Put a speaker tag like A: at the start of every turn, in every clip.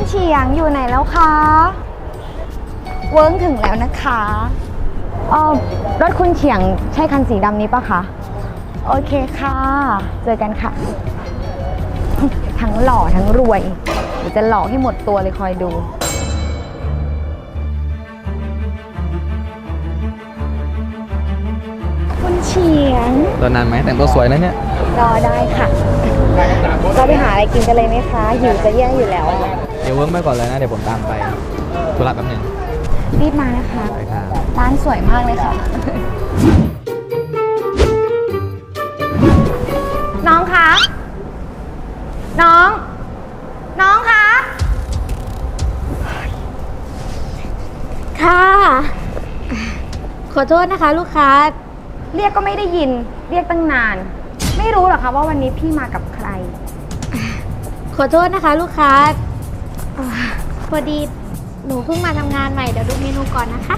A: เฉียงอยู่ไหนแล้วคะเวิ้งถึงแล้วนะคะรถคุณเฉียงใช่คันสีดำนี้ปะคะโอเคค่ะเจอกันค่ะทั้งหล่อทั้งรวยเดี๋ยวจะหล่อให้หมดตัวเลยคอยดูคุณเฉียง
B: รอนานไหมแต่งตัวสวยนะเนี่ย
A: รอได้ค่ะเราไปหาอะไรกินกันเลยไหมคะหิวจะแย่อยู่แล้ว
B: เดี๋ยวเวิร์กไปก่อนเลยนะเดี๋ยวผมตามไปธุระแป๊บหนึ่ง
A: รีบมานะคะ
B: ไปค่ะ
A: ร้านสวยมากเลยค่ะน้องคะน้องคะค่ะขอโทษนะคะลูกค้าเรียกก็ไม่ได้ยินเรียกตั้งนานไม่รู้หรอคะว่าวันนี้พี่มากับใครขอโทษนะคะลูกค้าพอดีหนูเพิ่งมาทำงานใหม่เดี๋ยวดูเมนูก่อนนะคะ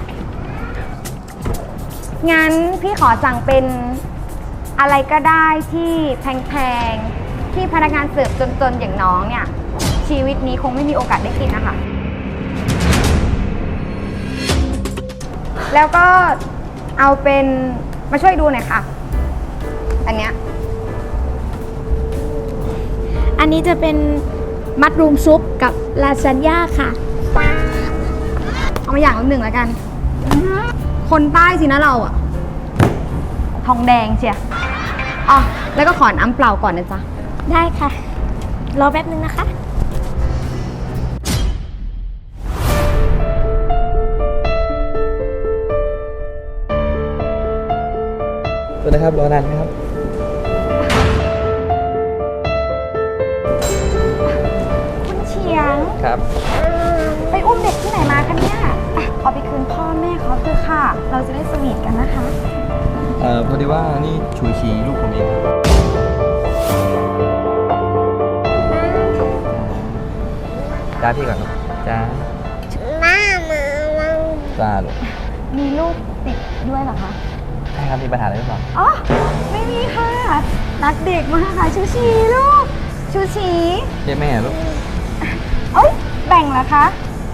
A: งั้นพี่ขอสั่งเป็นอะไรก็ได้ที่แพงๆที่พนักงานเสิร์ฟจนๆอย่างน้องเนี่ยชีวิตนี้คงไม่มีโอกาสได้กินนะคะแล้วก็เอาเป็นมาช่วยดูหน่อยค่ะอันนี้จะเป็นมัดรูมซุปกับลาซานญ่าค่ะเอามาอย่างละหนึ่งแล้วกันคนใต้สินะเราอะทองแดงเชียอ๋อแล้วก็ขอน้ำเปล่าก่อนนะจ๊ะได้ค่ะรอแป๊บนึงนะคะ
B: สวัสดีครับรอนานไหมครับ
A: คุณเฉียง
B: ครับ
A: ไปอุ้มเด็กที่ไหนมาคะเนี่ยเอาไปคืนพ่อแม่เขาเถอะค่ะเราจะได้สวีทกันนะคะ
B: พอดีว่านี่ชูชีลูกผมเองจ้าพี่ก่อนจ้าจ้าลูก
A: มีลูกติดด้วยเหรอคะ
B: ใช่ครับมีปัญหาอะไรหรือเปล่า
A: อ๋อไม่มีค่ะรักเด็กมากค่ะชูชีลูกชูชี
B: เรียกแม่ลูก
A: เอ้ยแบ่งเหรอคะ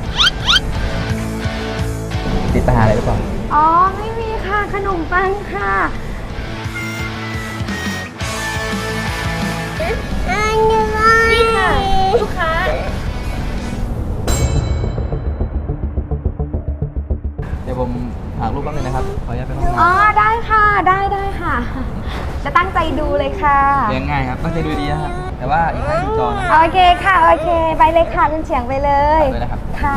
B: ติดปัญหาอะไรหรือเปล่า
A: อ๋อไม่มีค่ะขนมปังค่ะนี่ค่ะลูกค้า
B: เดี๋ยวผมหาลูกแป๊บนึงนะครับขออนุญาตไปห้องน้ำ
A: อ๋อได้ค่ะได้ค่ะจะตั้งใจดูเลยค่ะ
B: เลี้ยงง่ายครับตั้งใจดูดีนะครับแต่ว่าอีกครั้งจอนะ
A: โอเคค่ะโอเคไปเลยค่ะคุณเฉียงไปเลย
B: เลยนะครับ
A: ค่ะ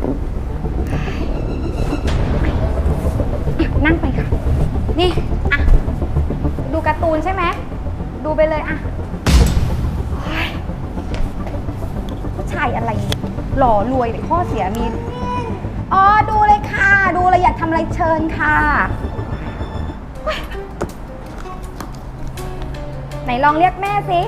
A: นั่งไปค่ะนี่อ่ะดูการ์ตูนใช่ไหมดูไปเลยอ่ะผู้ชายอะไรหล่อรวยแต่ข้อเสียมีอ๋อดูเลยค่ะดูเลยอยากทำอะไรเชิญค่ะไหนลองเรียกแม่สิ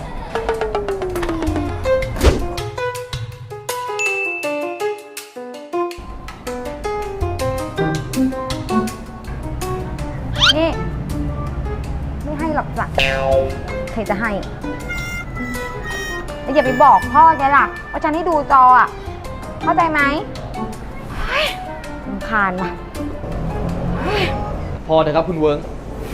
A: นี่ไม่ให้หรอกจ้ะใครจะให้แต่อย่าไปบอกพ่อแกล่ะว่าฉันให้ดูจออ่ะเข้าใจไหมรำคาญว่ะ
B: พอเถอะครับคุณเวิร์ก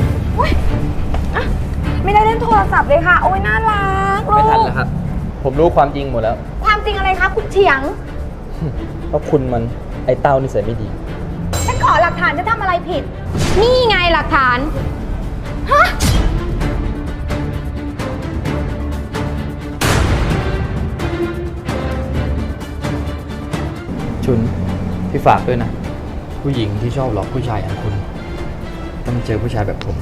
A: ไม่ได้เล่นโทรศัพท์เลยค่ะโอ้ยน่ารักลูก
B: ไม่ทันแล้วครับผมรู้ความจริงหมดแล้ว
A: ความจริงอะไรคะคุณเฉียง
B: เพราะคุณมันไอ้เต้านิสัยไม่ดี
A: ฉันขอหลักฐานจะทำอะไรผิดนี่ไงหลักฐานฮะ
B: ชุนพี่ฝากด้วยนะผู้หญิงที่ชอบหลอกผู้ชายอย่างคุณต้องเจอผู้ชายแบบผม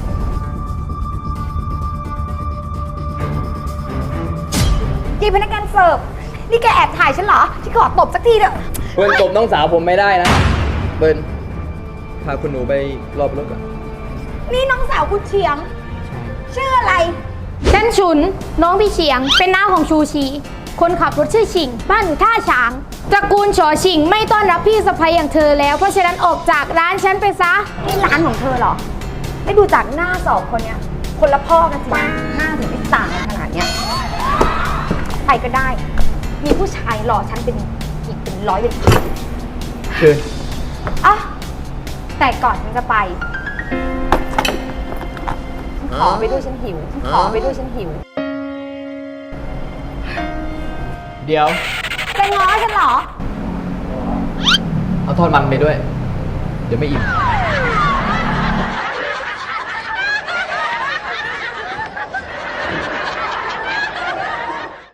A: ยีพนักงานเสิร์ฟนี่แกแอบถ่ายฉันเหรอที่ขอตบสักทีเถอะ
B: เบิร์นตบน้องสาวผมไม่ได้นะเบิร์นพาคุณหนูไปรอบรถก่อน
A: นี่น้องสาวคุณเฉียงชื่ออะไรฉันฉุนน้องพี่เฉียงเป็นน้าของชูชีคนขับรถชื่อชิงบ้านอยู่ท่าช้างตระกูลฉอชิงไม่ต้อนรับพี่สะใภ้อย่างเธอแล้วเพราะฉะนั้นออกจากร้านฉันไปซะนี่ร้านของเธอเหรอไม่ดูจากหน้าสองคนเนี้ยคนละพ่อกันจริงหน้าถึงได้ต่างกันขนาดเนี้ยไปก็ได้มีผู้ชายหล่อฉันเป็น 100เป็นพัน
B: เชิญ
A: อ่ะแต่ก่อนฉันจะไปขอไปด้วยฉันหิวขอไปด้วยฉันหิว
B: เดี๋ยว
A: จะง้อฉันเหรอ
B: เอาทอดมันไปด้วย เดี๋ยวไม่อิ่ม